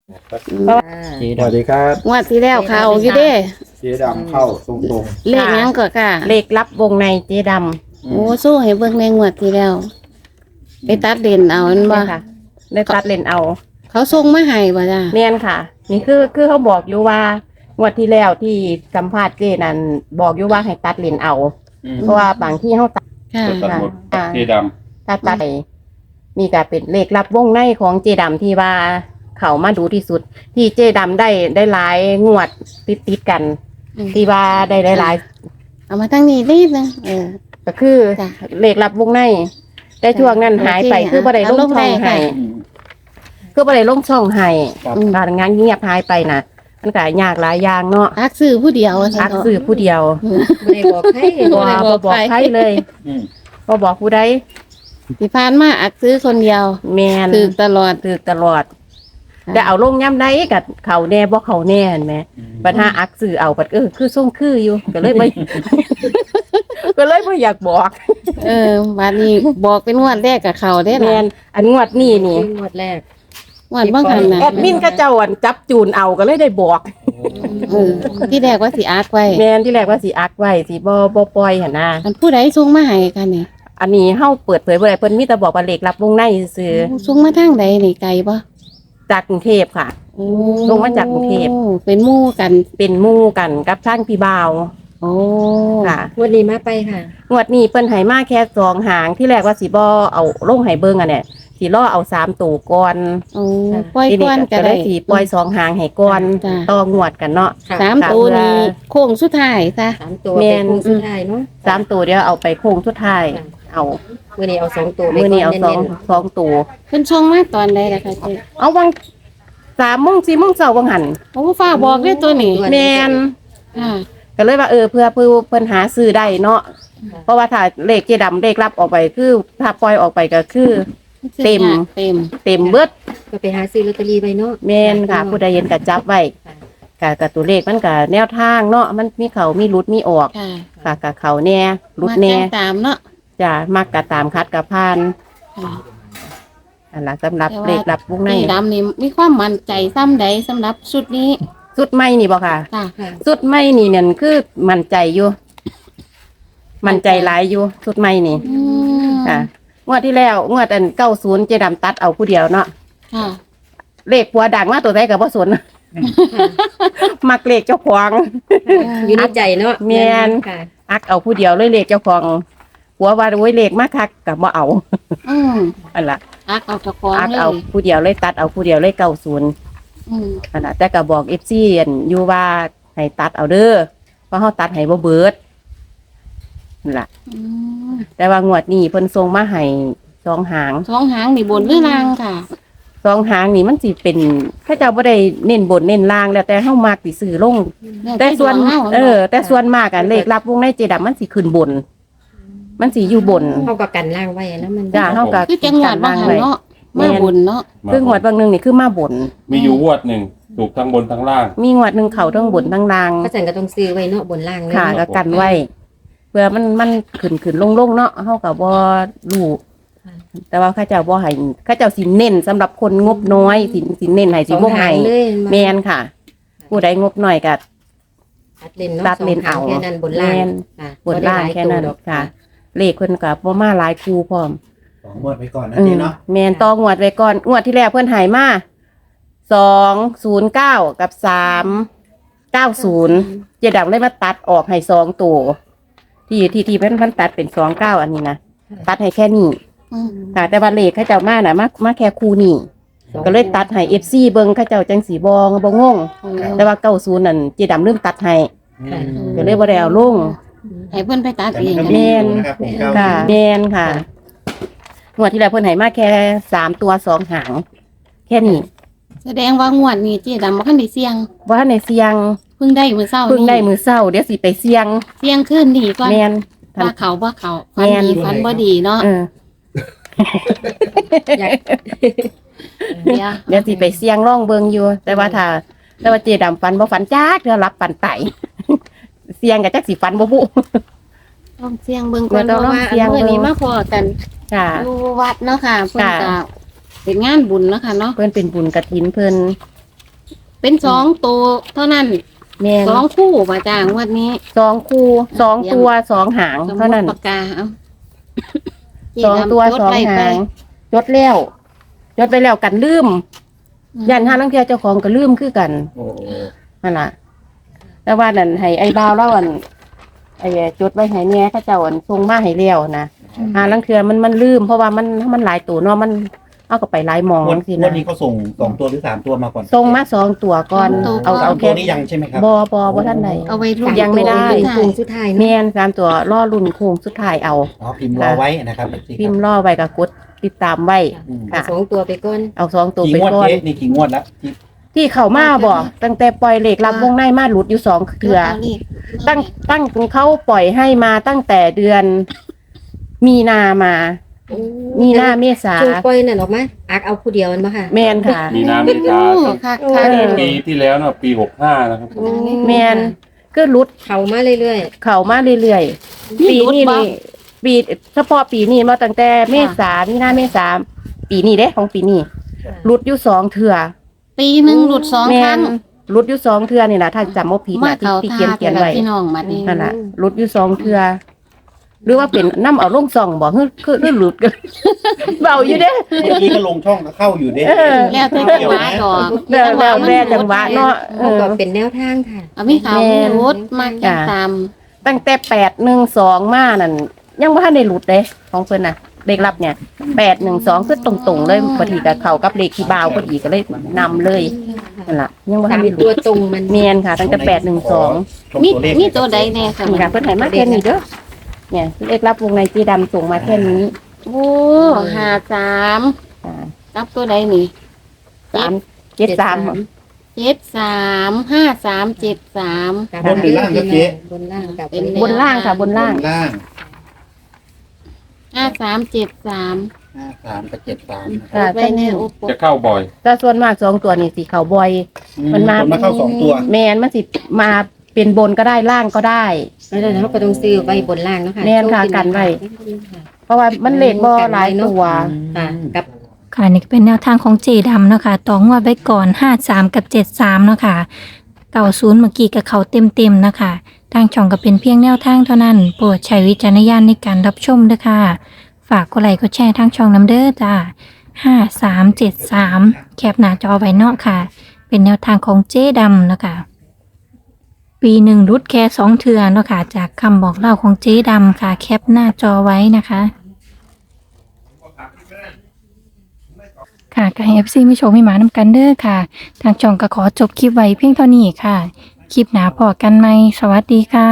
เพราะว่าสวัสดีครับงวดที่แล้วเขาอยู่เด้เจ๊ดำเข้าตรงเลขหยังก็ค่ะเลขลับวงในเจ๊ดโอ้สู้ให้เบิ่งในงวดที่แล้วไปตัดเด่นเอาอันำบ่เนี่ยค่ะได้ตัดเลนเอาเขาส่งมาให้บ่จ้าเนียนค่ะ นี่คือเขาบอกอยู่ว่างวดที่แล้วที่สัมภาษณ์เจ๊นั่นบอกอยู่ว่าให้ตัดเลนเอา เพราะว่าบางที่เขาตัดค่ะตัดหมดอ่าเจดตัดไปนี่ก็เป็นเลขลับวงในของเจดำที่ว่าเขามาดูที่สุด ที่เจดำได้หลายงวดติดกัน ที่ว่าได้หลายเอามาตั้งนี้นิดนึงก็คือจ้ะเลขลับวงในแต่ช่วงนั้นหายไปโอเคคือบ่ได้ลงช่องเอาลงได้ให้ค่ะคือบ่ได้ลงช่องให้ครับการงานเงียบหายไปน่ะ มันก็ยากหลายอย่างเนาะอักซื้อผู้เดียวว่าซั่อันกเถาะสื่อผู้เดียวไม่ได้บอกให้บ่บอกใครเลยำบ่บอกผู้ใดที่ผ่านมาอักซื้อคนเดียวแม่นถือตลอดถือตลอดแต่เอาลงย่ำใดกับเขาแน่บ่เขาแน่เห็นไหมปัญหาอักสื่อเอาปัดคือส่งคืออยู่ก็เลยไม่ ก็เลยไม่อยากบอกบัดนี้บอกเป็นงวดแรกกับเขาได้แมล่ะนอันงวดนี้นี่งวดแรกงวดบ่หันน่ะแอดมินก็เจ้าอันจับจูนเอาก็เลยได้บอกเออที่แรกว่าสิอักไว้แมนที่แรกว่าสิอักไว้สิบ่ปล่อยหั่นนะอันผู้ใดส่งมาให้กันนี่อันนี้เฮาเปิดเผยบ่ได้เพิ่นมีแต่บอกว่าเลขรับวงในซื่อส่งมาทางใดนี่ไกลบ่จากกรุงเทพค่ะโอ้ลงมาจากกรุงเทพเป็นหมู่กันเป็นหมู่กันกับท่านพี่บ่าวโอ้ค่ะงวดนี้มาไปค่ะงวดนี้เปิ้นให้มาแค่2หางที่แรกว่าสิบ่เอาลงให้เบิ่งอันเนี่ยสิรอเอา3ตัวก่อนโอ้ปล่อยทีก่อนก็ก็ได้ได้สิปล่อย2หางให้ก่อนจ้ะต่องวดกันเนาะค่ะสามตัวนี้โค้งสุดท้ายซะ 3 ตัวแม่เป็นนคู่สุดท้ายเนาะ 3ตัวเดี๋ยวเอาไปโค้งสุดท้ายค่ะเอามื้อนี้เอา2ตัวไปมื้อนี้เอาก่สองน้นสองตัวเพิ่นส่งมาตอนใดล่ะคะเจ๊เอาวัง3 โมง 4 โมงเช้าวังหันโอ้ฟ้าบอกเลยตัวนี้แม่นค่ะก็เลยว่าเพื่อเพิ่นหาซื้อได้เนาะเพราะว่าถ้าเลขเจดํเลขรับออกไปคือถ้าปล่อยออกไปก็คือ เต็มเต็มเต็มเบิดก็ไปหาซื้อลอตเตอรี่ไว้เนาะแม่นค่ะผู้ใดเห็นก็จับไว้กับตัวเลขมันก็แนวทางเนาะมันมีเขามีรุดมีออกค่ะค่ะกับเขาแน่รุดมาแน่แจ้งตามเนาะจะมักกะตามคัดกะพานค่ะอันละสำหรับแต่ว่าเลขรับวงในนี่ดำนี่มีความมั่นใจซ้ำใดสำหรับชุดนี้สุดไม่นี่บ่ค่ะค่ะค่ะสุดไม่นี่เนี่ยคือมั่นใจอยู่มั่นใจหลายอยู่สุดไม่นี่อืมค่ะงวดที่แล้วงวดอัน90เจดํตัดเอาผู้เดียวเนาะค่ะเลขผัวดังมาตัวใดก็บ่สน มักเลขเจ้าของอยู่ในใจเนาะแม่นค่ะอักเอาผู้เดียวเลยเลขเจ้าของผัวว่าโอ้ยเลขมาคักก็บ่เอาอืมอันละอักเอาตะกร้องอักเลเอายผู้เดียวเลยตัดเอาผู้เดียวเลย90 อืมอันน่ะแต่ก็บอก FC อันอยู่ว่าให้ตัดเอาเด้อเพราะเฮาตัดให้บ่เบิดนั่นล่ะอืมแต่ว่างวดนี้เพิ่นส่งมาให้2หางสองหางนี่บนหรือล่างค่ะ 2หางนี่มันสิเป็นเขาเจ้าบ่ได้เน้นบนเน้นล่างแล้วแต่เฮามักสิซื้อลง แต่ส่วนเฮาแต่ส่วนมากอะเลขรับวงในเจดํมันสิขึ้นบน มันสิอยู่บนเฮาก็กันล่างไว้นะมันจ้าเฮาก็คือจังหวัดบางหันเนาะมาบนเนาะคืองวดบางหนึงนี่คือมาบนมีอยู่งวดหนึ่งถูกทั้งบนทั้งล่างมีงวดหนึงเข้าทั้งบนทั้งล่างก็จันก็ต้องซื้อไว้เนาะบนล่างเลยค่ะเนาะก็กันไว้ เพื่อมันขึ้นลงเนาะเฮาก็บ่รู้แต่ว่าข้าเจ้าบ่ให้ข้าเจ้าสิเน้นสำหรับคนงบน้อยสิเน้นให้สิสองบ่หาให้งเลยแม่นค่ะ ผู้ใดงบน้อยก็ตัดเลนเนาะตัดเลนเอาสงหงแค่นั้นบนล่างแม่นค่ะบนล่างแค่นั้นบ่ได้หลายตัวดอกค่ะ เลขเพิ่นก็บ่มาหลายคู่พร้อม 2งวดไปก่อนนะเจ๊เนาะแม่นต่องวดไว้ก่อนงวดที่แล้วเพิ่นใหายมา209กับ390เจดํเลยมาตัดออกให้2ตัวที่เพิ่นตัดเป็น29อันนี้นะตัดให้แค่นี้อืมค่ะแต่ว่าเลขเขาเจ้ามาน่ะมาแค่คู่นี้ก็เลยตัดให้ FC เบิ่งเขาเจ้าจังสีบ่งงแต่ว่า90นั่นเจดํลืมตัดให้ค่ะก็เลยบ่ได้เอาลงให้เพิ่นไปตัดแต่เอมันงก็มีอยู่นะครับผมค่ะแม่นค่ะงวดที่แล้วเพิ่นให้มาแค่3ตัว2หางแค่นี้แสดงว่างวดนี้เจ๊ดำบ่คันได้เสี่ยงว่าในเสียงเพิ่งได้มื้อเช้าเพิ่งได้นี้มือเศร้าเดี๋ยวสิไปเสียงเสี่ยงขึ้นดีก่อนแมนทันว่าเขาบ่เขาฟันแม่นดีฟันบ่ดีเนาะเอออยากเดี๋ยวสิไปเสียงร่องเบิงอยู่ แต่ว่าเจดํฟันบ่ฟันจักเดี๋ยวรับฟันไต เสียงกับจักสิฟันบ่บุต้องเสี่ยงเบิ่งก่อนเดี๋เพยวราะต้องว่าเสี่ยงมื้อนี้เบิ่งมาพอกันค่ะอยู่วัดเนาะค่ะเพิ่นค่ะก็เป็นงานบุญเนาะค่ะเนาะเพิ่นเป็นบุญกฐินเพิ่นเป็น2ตัวเท่านั้นแม่น 2คู่บ่จ้างวดนี้ 2 คู่ 2 ตัว 2 หางสมมุเท่านั้นติปากกาเอา 2 ตัวจดไ 2 หางจดแล้วจดไปแล้วกันลืมยันห้าลังเทียเจ้าของก็ลืมคือกันโอ้นั่นล่ะแต่ว่านั่นให้ไอ้บ่าวเล่าอันไอ้จดไว้ให้แหน่เขาเจ้าอันส่งมาให้แล้วนะหาลังเทือมันลืมเพราะว่ามันหลายตัวเนาะมันเอาก็ไปหลายหมองวันสิวันะนนี้เขาส่ง2 ตัวหรือ3 ตัวมาก่อนส่งมา2 ตัวก่อนเอาสามแค่ตัวนี้ยังใช่ไหมครับบ่ท่านใดเอาไว้รุ่นยังไม่ได้โค้งสุดท้ายเนาะแม่น3 ตัวล่อรุ่นโค้งสุดท้ายเอาอ๋อพิมพ์รอไว้นะครับพิมพ์ล่อไว้กับกดติดตามไว้อืมค่ะสองตัวไปก่อนเอา2 ตัวกี่ไปงวดก่อนเจ๊นี่กี่งวดแล้วที่ที่เข้ามาบ่ตั้งแต่ปล่อยเหล็กรับวงในมาหลุดอยู่2 เทื่อ ตั้งเขาปล่อยให้มาตั้งแต่เดือนมีนามา มีนาเมษาช่วงปล่อยนั่นออกมาอักเอาผู้เดียวมันบ่ค่ะแมนค่ะมีน้ำมีตาค่ะเออปีที่แล้วเนาะปี65นะครับแมนก็รุดเข้ามาเรื่อยเข่ามาเรื่อยๆ ปีนี้นี่ปีเฉพาะปีนี้มาตั้งแต่เมษามีนาเมษาปีนี้เด้ของปีนี้รุดอยู่2 เทื่อปีหนึงหลุด2 แมครั้นงรุดอยู่2 เทื่อนี่นะถ้าจำบ่ผิดมานะเขาที่ท่าเขียนไว้พี่น้องบัดนี้นั่นน่ะรุดอยู่2 เทื่อหรือว่าเป็นน้ำเอาลงส่องบ่คือหลุดกัน เบาอยู่เด้เมื่อกี้ก็ลงช่องก็เข้าอยู่เด้เออแล้วแต่จังหวะดอกแล้วจังหวะเนาะๆเขาก็เป็นแนวทางค่ะเอามีข่าวมีรุดมากจังตามตั้งแต่812มานั่นยังบ่ทันได้หลุดเด้ของเพิ่นน่ะเลขลับเนี่ย812คือตรงๆเลยพอดีกับเขากับเลขที่บ่าวพอดีก็เลยนำเลยนั่นล่ะยังบ่ทัตาน มได้หลุตัวดตรงมันแม่นค่ะ ตั้งแต่812 ชมมีตัวเลขมีตัวใดแน่ค่ะนี่ค่ะเพิ่นให้มาแค่นี้เด้อเนี่ยเลขลับวงในจีดำส่งมาแค่นี้โอ้53 อ่ากับตัวใดนี่ 373 735373 บนหรือล่างครับเจ๊บนล่างกับบนล่างค่ะบนล่างล่าง 5373 53กับ73 ค่ะไปแน่โอ้ปจะเข้าบ่อยแต่ส่วนมาก2 ตัวนี่สิเขาบ่อย มันมาคนมาเข้า2 ตัวแม่นมันสิมาเป็นบนก็ได้ล่างก็ได้แล้วเราก็ต้องซื้อไว้บนล่างเนาะค่ะแม่นค่ะกันไว้ เพราะว่ามันเลขบ่หลายตัวค่ะกับค่ะนี่ก็เป็นแนวทางของเจดำเนาะค่ะต่องวดไว้ก่อน53กับ73เนาะค่ะ90เมื่อกี้กับเขาเต็มๆนะคะทางช่องก็เป็นเพียงแนวทางเท่านั้นโปรดใช้วิจารณญาณในการรับชมด้วยค่ะฝากกดไลค์กดแชร์ทางช่องน้ำเด้อจ้า5373แคปหน้าจอไว้เนาะค่ะ เป็นแนวทางของเจดำเนาะค่ะปีหนึ่งรุดแค่2 เทื่อเนาะค่ะจากคำบอกเล่าของเจดำค่ะแคปหน้าจอไว้นะคะ ค่ะกับ FC ไม่โชว์ไม่หมานำกันเด้อค่ะ ทางช่องก็ขอจบคลิปไว้เพียงเท่านี้ค่ะ คลิปหน้าพอกันไหมสวัสดีค่ะ